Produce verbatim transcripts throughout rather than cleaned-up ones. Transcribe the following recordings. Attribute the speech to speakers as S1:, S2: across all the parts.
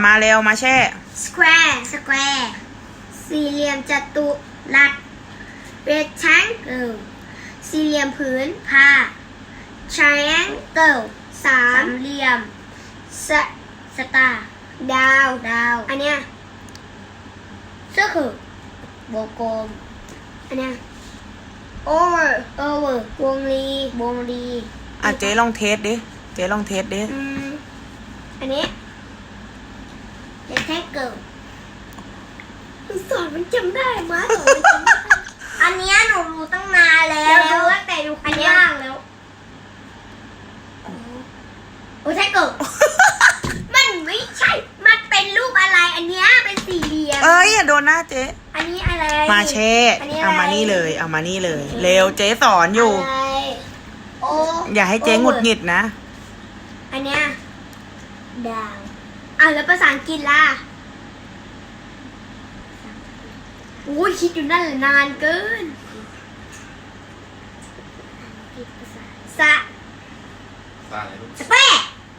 S1: มาเร็วมาแช่
S2: square square สี่เหลี่ยมจัตุรัส rectangle สี่เหลี่ยมผืนผ้า triangle สามเหลี่ยมสสตาร์ดาวดาวอันเนี้ย circle วงกลมอันเนี้ย over over วงรีวงรี
S1: อ่ะเจ๊ลองเทสดิเจ๊ลองเทสดิ
S2: อืมอันนี้ rectangle สอนมันจำได้มาสอนมันจำได้ อันเนี้ยหนูรู้ตั้งนานแล้วรู้ตั้งแต่อยู่ข้างล่างแล้วโอ้ใช่เกิด มันไม่ใช่ มันเป็นรูปอะไร อันเนี้ยเป็นสี่เหลี่ยม
S1: เอ้ยอย่าโดนหน้าเจ๊
S2: อันนี้อะไร
S1: มาแช่
S2: อันนี้อะไร
S1: เอามานี่เลยเอามานี่เลย เร็วเจ๊สอนอยู่
S2: อะไรโอ
S1: อย่าให้เจ๊หงุดหงิดนะ
S2: อันเนี้ยดาวอ่ะแล้วภาษาอังกฤษล่ะโอ้ยคิดอยู่นั่นแหละนานเกินสะ
S3: สร้างอะไรลูก
S2: สเปะ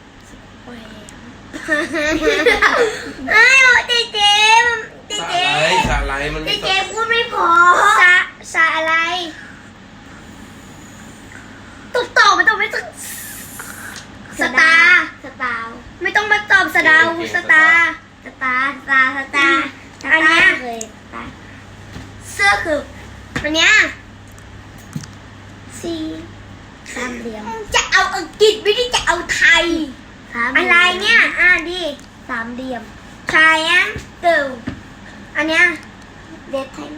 S2: ไอ้โอ้เจเจเจ
S3: สร้าง
S2: เจ
S3: อะไรสร้างอะไรมัน
S2: เจ
S3: ไม่
S2: เจพูดไม่พอสะสะอะไรตอบตอบมันต้องไม่ต้องสตาร์สตาร์ไม่ต้องมาตอบสดาวสตาร์สตาร์สตาร์สตาร์อันเนี้ยเสื้อคืออันเนี้ยสี่สามเหลี่ยมจะเอาอังกฤษไม่ได้จะเอาไทยอะไรเนี่ยอ่ะดิสามเหลี่ยม triangle อันเนี้ย rectangle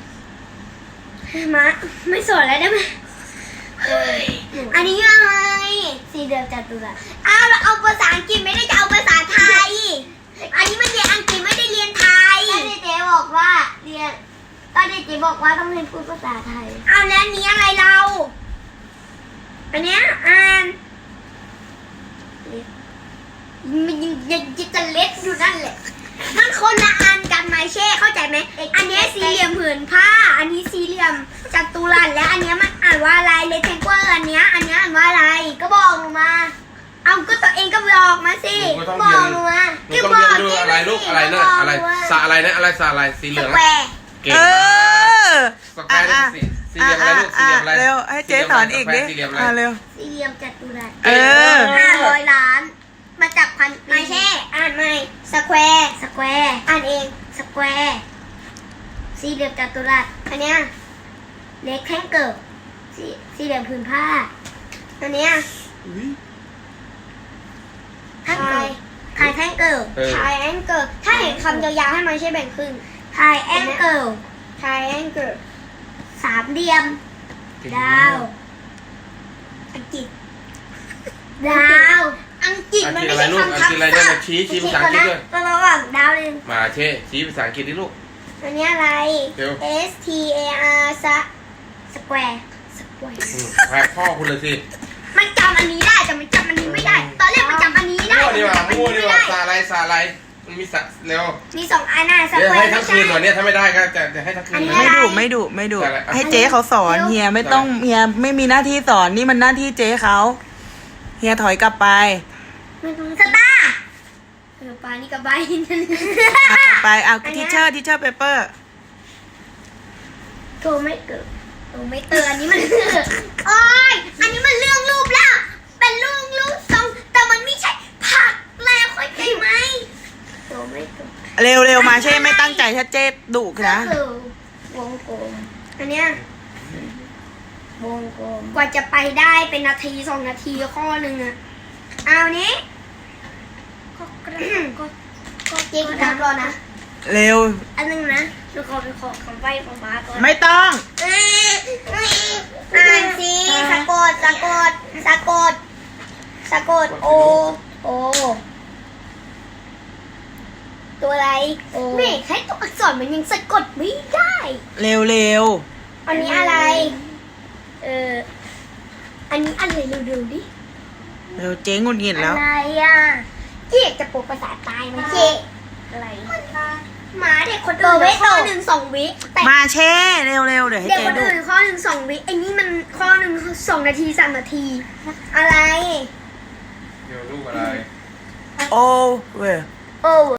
S2: มาไม่สอนแล้วได้ไหมอันนี้อะไรสี่เหลี่ยมจัตุรัสอ้าวเราเอาภาษาอังกฤษไม่ได้จะเอาภาษาไทย อันนี้มันเรียนอังกฤษไม่ได้เรียนไทยก็เจ๊บอกว่าเรียนก็เจ๊บอกว่าต้องเรียนพูดภาษาไทยเอาแล้วนี้อะไรเรา อันเนี้ยอ่านมันยังยังจะเล็กอยู่นั่นแหละมันคนละอันกันไหมเช่เข้าใจไหมอันเนี้ยสี่เหลี่ยมผืนผ้า อันนี้สี่เหลี่ยมจัตุรัสและอันเนี้ยมันอ่านว่าอะไรเลเทนเกอร์อันเนี้ยอันเนี้ยอ่านว่าอะไรก็บอกหนูมา เอาก็ตัวเองก็บอกมาสิบอกหนูมา
S3: หนูต้องเรียนดูอะไรลูกอะไรนะอะไรสระอะไรนะอะไรสระอะไรสีเหลือง
S2: แควร์
S3: เก่ง
S1: เอ
S3: มาก
S1: อ
S3: สแควร์นี่สีสี่เหลี่ยมอะไรลูกสี่เหลี่ยมอะไร
S1: เร็วให้เจ๊สอนอีกดิ
S3: สี่เหลี่ยมอะไร
S1: อ่ะเร็ว
S2: สี่เหลี่ยมจัตุรัส
S1: เออ
S2: ห้าร้อยล้าน มาจากพันไม่ใช่อ่านไม่สแควร์สแควร์อ่านเองสแควร์สี่เหลี่ยมจัตุรัสอันเนี้ยเล็กแท่งเกิดสี่สี่เหลี่ยมผืนผ้าอันเนี้ยแท่งเกิดทายแท่งเกิดทายแองเกิดถ้าเห็นคำยาวๆให้มันใช่แบ่งครึ่งทายแองเกิดทายแองเกิดสามเหลี่ยมดาวอังกฤษดาวอังกฤษมันไม่ใช่คำทับศัพท์ก็ระหว่างดาวเลย
S3: มาเช่ชี้ภาษาอังกฤษดิลูก
S2: อันนี้อะไร
S3: เร็ว
S2: S T A R สะ square square
S3: อืมแพ้พ่อคุณเลยสิ
S2: มันจำอันนี้ได้แต่มันจำอันนี้ไม่ได้ ตอนแรกมันจำอันนี้ได้
S3: มั่วดีกว่า
S2: แต่
S3: มั่ว
S2: มัน
S3: ดี
S2: ไม่
S3: กว่า
S2: ได้
S3: สระอะไรสระอะไรมันมีสระเร็ว
S2: มีสองอันน่ะ
S3: เดี๋ยว
S2: square
S3: ให้ทั้งคืนวันนี้ถ้าไม่ได้ก็จะจะให้ทั้งคืน
S1: ไม่ดุไม่ดุไม่ดุ
S3: อะไรอ่ะ
S1: ให้เจ๊เขาสอนเฮียไม่ต้องเฮียไม่มีหน้าที่สอนนี่มันหน้าที่เจ๊เขาเฮียถอยกลับไป
S2: สตาร์เออปลานี่กับใบนั่น
S1: อ่ะกลับไปเอาทิเชอร์ทิเชอร์เปเปอร์
S2: โทรไม่เกิดโทรไม่เตือนอันนี้มันโอ้ยอันนี้มันเรื่องรูปแล้วเป็นเรื่องรูปทรงแต่มันไม่ใช่ผักแล้วเข้าใจไหมโทรไม่เกิด
S1: เร็วเร็วมาเช่ไม่ตั้งใจถ้าเจ๊ดุนะ
S2: ก็คือวงกลมอันเนี้ยวงกลมกว่าจะไปได้เป็นนาทีสองนาทีข้อหนึ่งอะเอานี้ก็ก็ก็เจ๊กันรอนะ
S1: เร็ว
S2: อันนึงนะดูขอไปขอคำใบ้ของบ้าก่อน
S1: ไม่ต้อง
S2: อ่านสิสะกดสะกดสะกดสะกดโอโอตัวอะไรโอแม่ให้ตัวอักษรมันยังสะกดไม่ได้
S1: เร็วเร็ว
S2: อันนี้อะไร เออ อันนี้อะไรเร็วๆดิ
S1: เร็วเจ๊งุนงิดแล้ว
S2: อะไรอ่ะเจ๊จะปลุกภาษาตายไหมเจ๊อะไรหมาเด็กคนอื่นข้อหนึ่งสองวิแต่
S1: มาเช่เร็วเร็วเดี๋ยวให้
S2: เด็ก
S1: เจ๊
S2: คน
S1: ดุ
S2: อื่นข้อหนึ่งสองวิไอ้นี่มันข้อหนึ่งสองนาทีสามนาที อะไร
S3: เดี๋ยวลูกอะไร
S1: โอ้เว้ย
S2: โโอ้